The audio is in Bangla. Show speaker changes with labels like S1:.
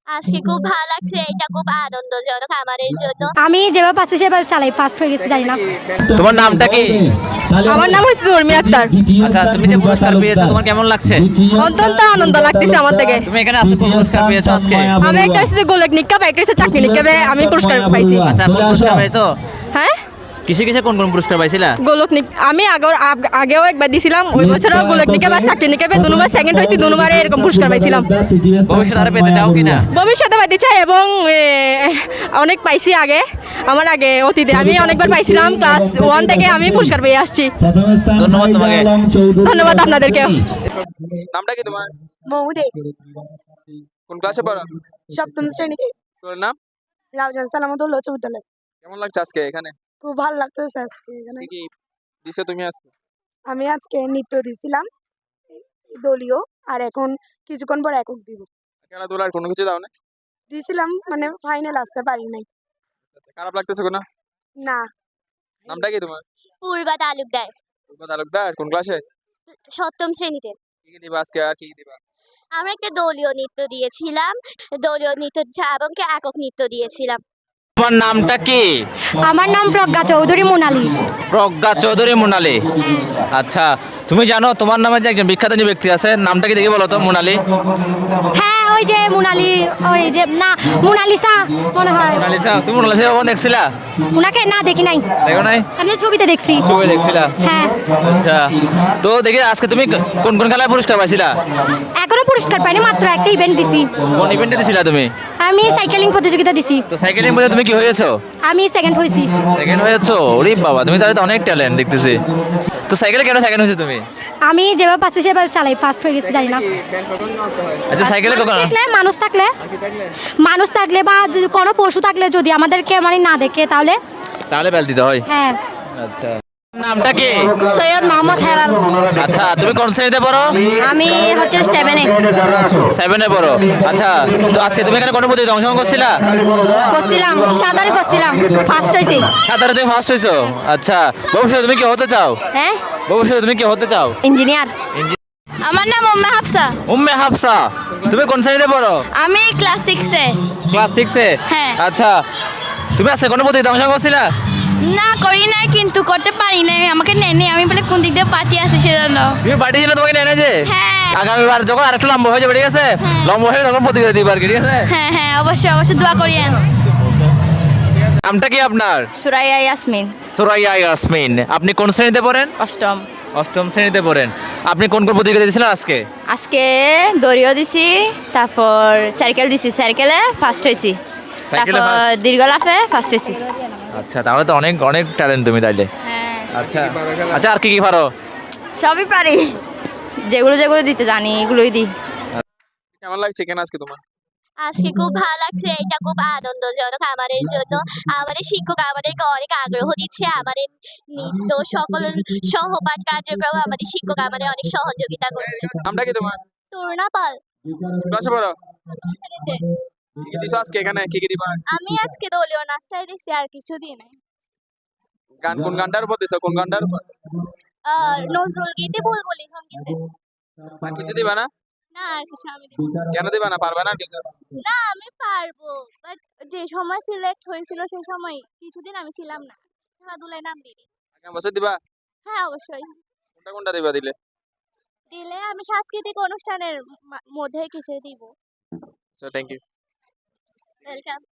S1: আজকে খুব ভালো লাগছে, এটা খুব আনন্দজনক আমাদের জন্য।
S2: আমি যেভাবে পাচ্ছি সেভাবে চালাই, ফার্স্ট হয়ে গেছি জানি না।
S3: তোমার নামটা কি?
S4: আমার নাম হচ্ছে উর্মি আক্তার।
S3: আচ্ছা, তুমি যে পুরস্কার পেয়েছো তোমার কেমন লাগছে?
S4: অত্যন্ত আনন্দ লাগতেছে আমার থেকে।
S3: তুমি এখানে আজকে কোন পুরস্কার পেয়েছো আজকে?
S4: আমি একটা হচ্ছে গোলক নিকাপ, একটা হচ্ছে চাকরি নিকাপে আমি পুরস্কার পাইছি।
S3: আচ্ছা, কোন পুরস্কার পেয়েছো?
S4: হ্যাঁ,
S3: কিসে কিসে কোন কোন পুরস্কার পাইছিলা?
S4: গোলক নিক আমি আগেও একবার দিছিলাম, ওই বছরও গোলক নিকাপ আর চাকরি নিকাপে দুবার সেকেন্ড হয়েছি, দুবারে এরকম পুরস্কার পাইছিলাম।
S3: ভবিষ্যতে আরো পেতে চাও কিনা?
S4: ভবিষ্যতে পাইতে চাই এবং অনেক পাইছি আগে, আমার আগে অতীতে আমি অনেকবার পাইছিলাম। ক্লাস 1 থেকে আমি পুরস্কার পেয়ে আসছি।
S3: ধন্যবাদ তোমাকে।
S4: ধন্যবাদ আপনাদেরকে।
S5: নামটা কি তোমার?
S6: মৌদে
S5: কোন ক্লাসে পড়ো?
S6: সপ্তম শ্রেণীতে
S5: স্কুলের নাম?
S6: রাউজান সালামতুল্লাহ উচ্চ বিদ্যালয়।
S5: কেমন লাগছে আজকে এখানে?
S6: খুব ভালো লাগতেছে আজকে এখানে।
S5: কি কি দিছো তুমি আজকে?
S6: আমি আজকে নৃত্য দিছিলাম দলীয়, আর এখন কিছুক্ষণ পর একক দিব।
S5: খেলাধুলার কোনো কিছু দাও না?
S6: দিছিলাম মানে ফাইনাল আসতে পারি নাই।
S5: আচ্ছা, খারাপ লাগতেছে কোনো?
S6: না,
S5: নামটা কি তোমার?
S1: পূর্বা তালুকদার,
S5: পূর্বা তালুকদার। কোন ক্লাসে?
S1: সপ্তম শ্রেণীতে।
S5: কি কি দিবা আজকে, আর কি কি দিবা?
S1: আমরা একটা দলীয় নৃত্য দিয়েছিলাম, দলীয় নৃত্য এবং একক নৃত্য দিয়েছিলাম।
S3: তোমার নামটা কি?
S2: আমার নাম প্রজ্ঞা চৌধুরী মোনালি।
S3: প্রজ্ঞা চৌধুরী মোনালি। আচ্ছা, তুমি জানো তোমার নামে যে একজন বিখ্যাত যে ব্যক্তি আছে, নামটা কি দেখে বলো তো? মোনালি।
S2: হ্যাঁ, ওই যে মোনালি, ওই যে না মোনালিসা মনে হয়।
S3: মোনালিসা, তুমি মোনালিসা কখন দেখছিলা?
S2: ওনাকে না দেখি নাই,
S3: দেখো নাই?
S2: আমি ছবিতে দেখছি।
S3: ছবি দেখছিলা?
S2: হ্যাঁ,
S3: আচ্ছা, তো দেখি আজকে তুমি কোন কোন খেলায় পুরস্কার পাইছিলা?
S2: এখনো পুরস্কার পাইনি, মাত্র একটা ইভেন্ট দিছি।
S3: কোন ইভেন্টে দিছিলা তুমি?
S2: আমি সাইকেলিং প্রতিযোগিতা দিছি,
S3: তো সাইকেলিং মধ্যে তুমি কি হয়েছো?
S2: আমি সেকেন্ড হয়েছি।
S3: সেকেন্ড হয়েছো? ওরে বাবা, তুমি তাহলে তো অনেক ট্যালেন্ট দেখতেছি। তো সাইকেলে কেন সেকেন্ড হয়েছে তুমি?
S2: আমি যেভাবে পাচ্ছি সেভাবে চালাই, ফার্স্ট হয়ে গেছি জানি না।
S3: আচ্ছা, সাইকেলে কখন?
S2: মানুষ থাকলে বা কোনো পশু থাকলে যদি আমাদেরকে মানে না দেখে তাহলে
S3: তাহলে বেল দিতে হয়।
S2: হ্যাঁ।
S3: আচ্ছা, নামটা কি?
S2: সৈয়দ মোহাম্মদ হেলাল।
S3: আচ্ছা, তুমি কোন শ্রেণীতে পড়ো?
S2: আমি হচ্ছে 7-এ
S3: 7-এ পড়ো। আচ্ছা, তো আজকে তুমি এখানে কোনো প্রতিযোগিতায় অংশগ্রহণ করছিলা?
S2: করছিলাম, সাঁতারে করছিলাম, ফার্স্ট হয়েছি।
S3: সাঁতারে তুমি ফার্স্ট হয়েছো? আচ্ছা, ভবিষ্যতে তুমি কি হতে চাও?
S2: হ্যাঁ,
S3: ভবিষ্যতে তুমি কি হতে চাও?
S2: ইঞ্জিনিয়ার। আমার নাম উম্মে হাফসা।
S3: উম্মে হাফসা, তুমি কোন শ্রেণীতে পড়ো?
S2: আমি ক্লাস 6-এ।
S3: ক্লাস 6-এ?
S2: হ্যাঁ।
S3: আচ্ছা, তুমি আজকে কোনো প্রতিযোগিতায় অংশগ্রহণ করছিলা?
S2: না, করি নাই, কিন্তু করতে পারি নাই, আমাকে নেয়নি। আমি বলে কোন দিক দিয়ে পার্টি আছে সেজন্য।
S3: তুমি পার্টি ছিল, তোমাকে নেয় না যে?
S2: হ্যাঁ।
S3: আগামীবার যখন আরেকটু লম্বা হয়ে যাবে, ঠিক আছে? লম্বা হয়ে তখন প্রতিযোগিতা দিবা আর কি, ঠিক আছে?
S2: হ্যাঁ হ্যাঁ, অবশ্যই অবশ্যই দোয়া করিয়েন।
S3: নামটা কি আপনার?
S2: সুরাইয়া ইয়াসমিন।
S3: সুরাইয়া ইয়াসমিন। আপনি কোন শ্রেণীতে পড়েন?
S2: অষ্টম।
S3: অষ্টম শ্রেণীতে পড়েন। আপনি কোন কোন প্রতিযোগিতা দিয়েছিলেন আজকে?
S2: আজকে দড়িও দিছি, তারপর সাইকেল দিছি, সাইকেলে ফার্স্ট হয়েছি,
S3: সাইকেলে
S2: তারপর
S3: first?
S2: দীর্ঘ লাফে ফার্স্ট হয়েছি।
S3: আচ্ছা, তাহলে তো অনেক অনেক ট্যালেন্ট তুমি তাইলে।
S2: হ্যাঁ,
S3: আচ্ছা আচ্ছা, আর কি কি পারো?
S2: সবই পারি, যেগুলো যেগুলো দিতে জানি এগুলোই দিই।
S5: কেমন লাগছে এখানে আজকে তোমার?
S1: আজকে খুব ভালো লাগছে, এটা খুব আনন্দজনক আমাদের জন্য। আমাদের শিক্ষক আমাদেরকে অনেক আগ্রহ দিচ্ছে, আমাদের নৃত্য সকল সহপাঠ কার্যক্রম আমাদের শিক্ষক আমাদের অনেক সহযোগিতা করছে।
S5: নামটা কি তোমার?
S1: তরুণা পাল।
S5: ক্লাসে পড়ো? কি কি দিছো আজকে এখানে, কি কি দিবা?
S1: আমি আজকে দলীয় নাস্তায় দিছি, আর কিছু দিই নাই।
S5: গান কোন গানটার উপর দিছো? কোন গানটার উপর?
S1: নজরুল গীতি, বুলবুলি সঙ্গীতে।
S5: আর কিছু দিবা না?
S1: না, আর কিছু আমি দিব না।
S5: কেন দিবা না? পারবা না কিছু?
S1: না, আমি পারবো, বাট যে সময় সিলেক্ট হয়েছিল সেই সময় কিছুদিন আমি ছিলাম না, খেলাধুলায় নাম দিই।
S5: আগামী বছর দিবা?
S1: হ্যাঁ, অবশ্যই
S5: কোনটা কোনটা দিবা দিলে?
S1: দিলে আমি সাংস্কৃতিক অনুষ্ঠানের মধ্যে কিছু দিব।
S5: আচ্ছা, থ্যাংক ইউ।
S1: ওয়েলকাম।